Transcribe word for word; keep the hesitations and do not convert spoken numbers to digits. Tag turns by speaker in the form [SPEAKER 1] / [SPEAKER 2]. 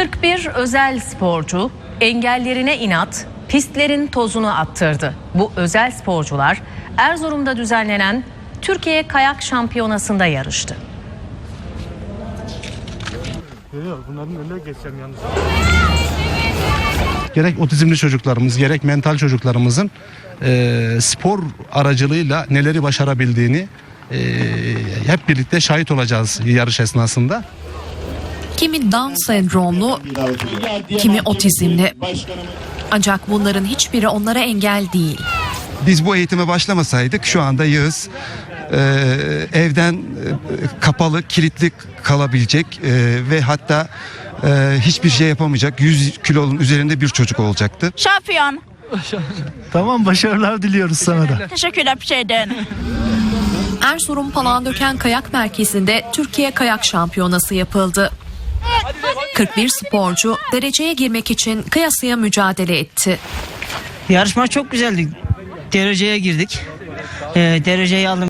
[SPEAKER 1] kırk bir özel sporcu engellerine inat pistlerin tozunu attırdı. Bu özel sporcular Erzurum'da düzenlenen Türkiye Kayak Şampiyonası'nda yarıştı.
[SPEAKER 2] Bunların önüne geçeceğim yalnız.
[SPEAKER 3] Gerek otizmli çocuklarımız, gerek mental çocuklarımızın e, spor aracılığıyla neleri başarabildiğini e, hep birlikte şahit olacağız yarış esnasında.
[SPEAKER 4] Kimi Down sendromlu, kimi otizmli. Ancak bunların hiçbiri onlara engel değil.
[SPEAKER 5] Biz bu eğitime başlamasaydık şu anda Yağız e, evden e, kapalı, kilitli kalabilecek e, ve hatta e, hiçbir şey yapamayacak yüz kilonun üzerinde bir çocuk olacaktı.
[SPEAKER 6] Şampiyon.
[SPEAKER 2] Tamam, başarılar diliyoruz sana da.
[SPEAKER 6] Teşekkürler bir şeyden.
[SPEAKER 4] Erzurum Palandöken Kayak Merkezi'nde Türkiye Kayak Şampiyonası yapıldı. kırk bir sporcu dereceye girmek için kıyasıya mücadele etti.
[SPEAKER 7] Yarışma çok güzeldi. Dereceye girdik. Ee, dereceyi aldım.